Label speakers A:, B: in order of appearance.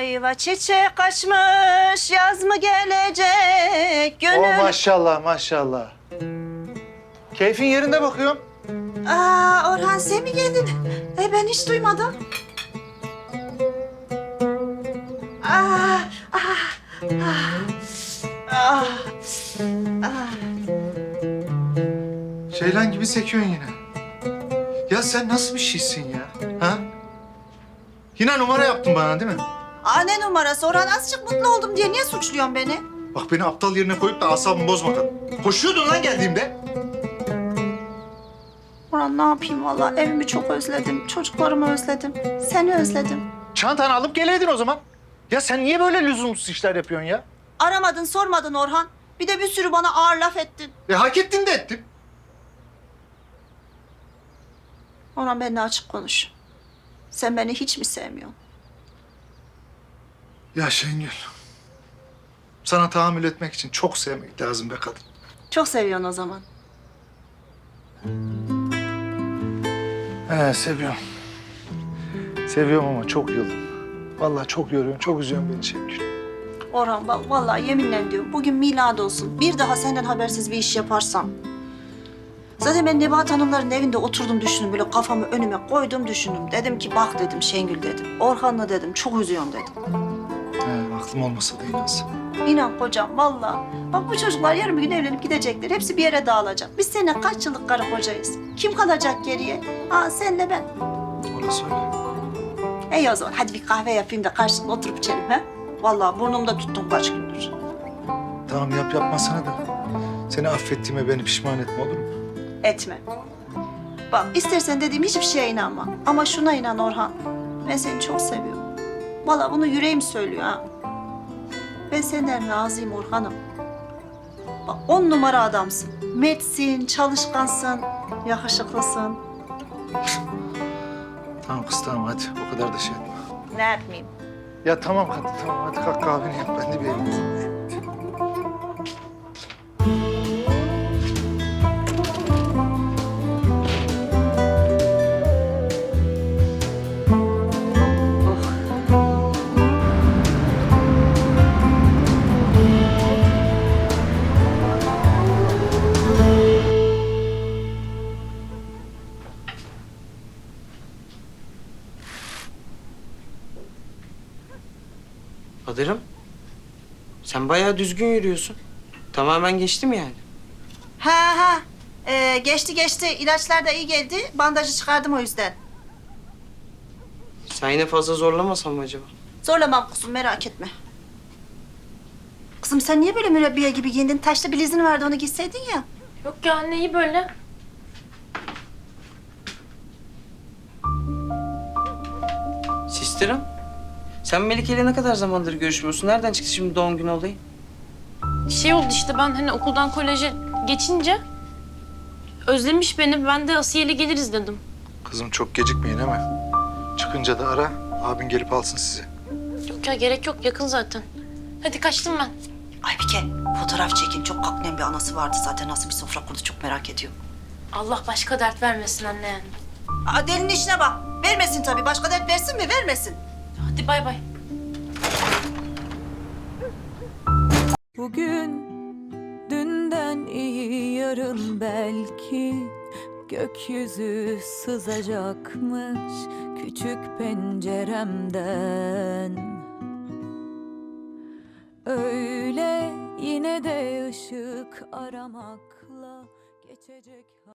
A: ayva çiçek açmış, yaz mı gelecek gönül...
B: Oh maşallah maşallah. Keyfin yerinde bakıyorum.
A: Aa, Orhan sen mi geldin? Ben hiç duymadım. Aa, ah, ah, ah, ah.
B: Ceylan gibi sekiyorsun yine. Ya sen nasıl bir şeysin ya? Ha? Yine numara yaptın bana değil mi?
A: Aa, ne numarası? Orhan azıcık mutlu oldum diye niye suçluyorsun beni?
B: Bak beni aptal yerine koyup da asabımı bozma kadın. Koşuyordun lan geldiğimde.
A: Orhan ne yapayım vallahi evimi çok özledim, çocuklarımı özledim, seni özledim.
B: Çantanı alıp geleydin o zaman. Ya sen niye böyle lüzumsuz işler yapıyorsun ya?
A: Aramadın, sormadın Orhan. Bir de bir sürü bana ağır laf ettin.
B: Hak ettin de ettim.
A: Orhan benimle açık konuş. Sen beni hiç mi sevmiyorsun?
B: Ya Şengül. Sana tahammül etmek için çok sevmek lazım be kadın.
A: Çok seviyorsun o zaman.
B: Seviyorum. Seviyorum ama çok yıldım. Vallahi çok yoruyorsun, çok üzüyorsun beni Şengül.
A: Orhan bak vallahi yeminle diyorum bugün milad olsun. Bir daha senden habersiz bir iş yaparsam. Zaten ben Nebahat Hanımların evinde oturdum düşündüm. Böyle kafamı önüme koydum düşündüm. Dedim ki bak dedim Şengül dedim. Orhan'la dedim çok üzüyorum dedim.
B: Aklım olmasa da inansın.
A: İnan kocam vallahi. Bak bu çocuklar yarın bir gün evlenip gidecekler. Hepsi bir yere dağılacak. Biz seninle kaç yıllık karı kocayız. Kim kalacak geriye? Ha senle ben.
B: Orası öyle.
A: İyi o zaman hadi bir kahve yapayım da karşılıklı oturup içelim ha. Vallahi burnumda tuttum kaç gündür.
B: Tamam yap yapmasana da. Seni affettiğime beni pişman etme olur mu?
A: Etme. Bak istersen dediğim hiçbir şeye inanma. Ama şuna inan Orhan. Ben seni çok seviyorum. Vallahi bunu yüreğim söylüyor ha. Ben senden razıyım Orhan'ım. Bak 10 numara adamsın. Mertsin, çalışkansın, yakışıklısın.
B: Tamam kız tamam hadi o kadar da şey etme.
A: Ne yapmayayım?
B: Ya tamam kadın tamam hadi kalk kahveni yap ben de bir elimi yüzümü.
C: Kadir'im, sen bayağı düzgün yürüyorsun. Tamamen geçti mi yani?
A: Ha. Geçti geçti. İlaçlar da iyi geldi. Bandajı çıkardım o yüzden.
C: Sen yine fazla zorlamasan mı acaba?
A: Zorlamam kuzum merak etme. Kızım sen niye böyle mürebbiye gibi giyindin? Taşlı bilezin vardı onu giyseydin ya.
D: Yok ya anne iyi böyle.
C: Sistirim, sen Melike ile ne kadar zamandır görüşmüyorsun? Nereden çıktı şimdi doğum günü olayı?
D: Şey oldu işte ben hani okuldan koleje geçince özlemiş beni. Ben de Asiye ile geliriz dedim.
B: Kızım çok gecikmeyin ama. Çıkınca da ara abin gelip alsın sizi.
D: Yok ya gerek yok yakın zaten. Hadi kaçtım ben.
A: Aybike fotoğraf çekin. Çok kaknem bir anası vardı zaten. Nasıl bir sofra kurdu çok merak ediyorum.
D: Allah başka dert vermesin anne yani.
A: Aa, delinin işine bak. Vermesin tabii. Başka dert versin mi? Vermesin.
D: Hadi bay bay.
E: Bugün dünden iyi yarın belki gökyüzü sızacakmış küçük penceremden. Öyle yine de ışık aramakla geçecek.